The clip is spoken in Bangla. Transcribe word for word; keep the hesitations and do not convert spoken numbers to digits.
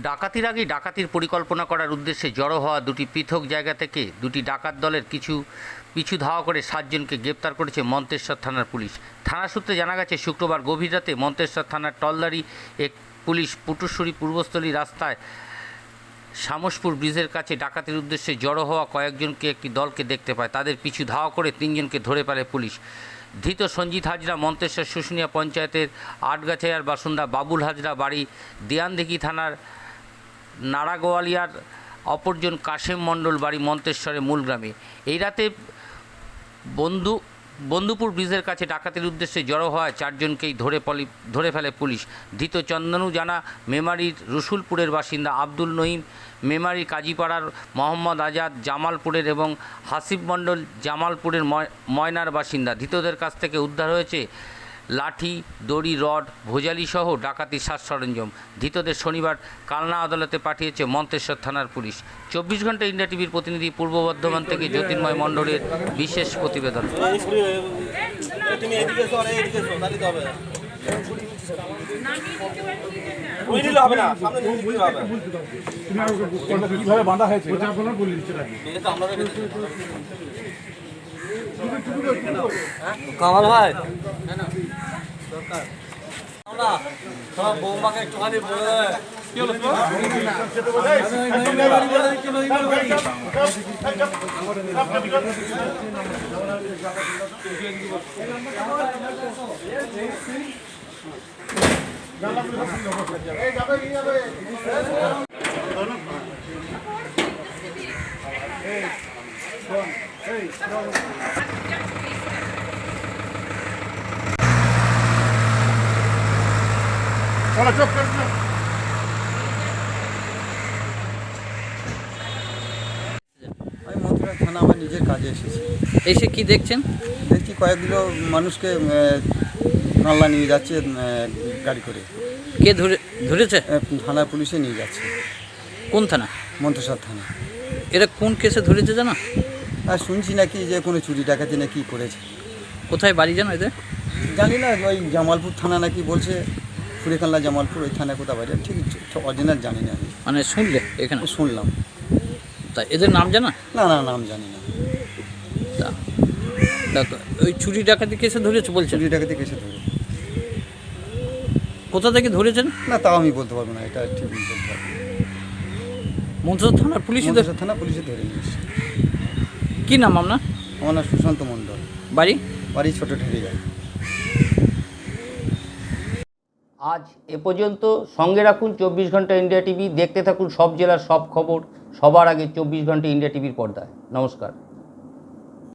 ডাকাতির আগে ডাকাতির পরিকল্পনা করার উদ্দেশ্যে জড়ো হওয়া দুটি পৃথক জায়গা থেকে দুটি ডাকাত দলের কিছু পিছু ধাওয়া করে সাতজনকে গ্রেপ্তার করেছে মন্তেশ্বর থানার পুলিশ। থানা সূত্রে জানা গেছে, শুক্রবার গভীর রাতে মন্তেশ্বর থানার টলদারি এক পুলিশ পুটুশ্বরী পূর্বস্থলী রাস্তায় শামসপুর ব্রিজের কাছে ডাকাতির উদ্দেশ্যে জড়ো হওয়া কয়েকজনকে একটি দলকে দেখতে পায়। তাদের পিছু ধাওয়া করে তিনজনকে ধরে ফেলে পুলিশ। ধৃত সঞ্জিত হাজরা মন্তেশ্বর শুশুনিয়া পঞ্চায়েতের আটগাছায়ার বাসিন্দা, বাবুল হাজরা বাড়ি দেয়ানদিঘি থানার নাড়াগোয়ালিয়ার, অপরজন কাশেম মণ্ডল বাড়ি মন্তেশ্বরের মূলগ্রামে। এই রাতে বন্ধু বন্ধুপুর ব্রিজের কাছে ডাকাতির উদ্দেশ্যে জড়ো হওয়া চারজনকেই ধরে পলি ধরে ফেলে পুলিশ। ধৃত চন্দনু জানা মেমারির রসুলপুরের বাসিন্দা, আব্দুল নঈম মেমারির কাজীপাড়ার, মোহাম্মদ আজাদ জামালপুরের এবং হাসিব মণ্ডল জামালপুরের ময়নার বাসিন্দা। ধৃতদের কাছ থেকে উদ্ধার হয়েছে লাঠি, দড়ি, রড, ভোজালিসহ ডাকাতির সাজ সরঞ্জাম। ধৃতদের শনিবার কালনা আদালতে পাঠিয়েছে মন্তেশ্বর থানার পুলিশ। চব্বিশ ঘন্টা ইন্ডিয়া টিভির প্রতিনিধি পূর্ব বর্ধমান থেকে জ্যোতির্ময় মণ্ডলের বিশেষ প্রতিবেদন। কামাল ভাই বৌমাকে একটুখানি বলে দেয়। চলো চোখ চোখ চোখ। আমি মন্ত্রী থানা আমার নিজের কাজে এসেছি। এসে কি দেখছেন? দেখছি কয়েকগুলো মানুষকে কানলা নিয়ে যাচ্ছে গাড়ি করে। কে ধরে ধরেছে? থানা পুলিশে নিয়ে যাচ্ছে। কোন থানা? মন্তেশ্বর থানা। এরা কোন কেসে ধরেছে জানো? আর শুনছি নাকি যে কোনো চুরি ডাকাতি নাকি করেছে। কোথায় বাড়ি জানো এদের? জানি না, ওই জামালপুর থানা নাকি বলছে, ফুরিকাল্লা জামালপুর ওই থানা কোথাও বাড়ি, ঠিক অরিজিনাল জানি না। আমি মানে শুনলে এখানে শুনলাম। তা এদের নাম জানা? না না নাম জানি না। তা ওই চুরি ডাকাতি কেসে ধরেছে বলছে? চুরি ডাকাতি কেসে ধরে। কোথা থেকে ধরেছেন? না তাও আমি বলতে পারবো না, এটা ঠিক বলতে পারবো। মন্তেশ্বর থানার পুলিশ? মন্তেশ্বর থানা পুলিশে ধরে নিয়েছে। কী নাম আপনার? আমার নাম সুশান্ত মণ্ডল। বাড়ি? বাড়ি ছোটো ঠেরে যায়। আজ এ পর্যন্ত। সঙ্গে রাখুন চব্বিশ ঘন্টা ইন্ডিয়া টিভি। দেখতে থাকুন সব জেলার সব খবর সবার আগে চব্বিশ ঘন্টা ইন্ডিয়া টিভির পর্দায়। নমস্কার।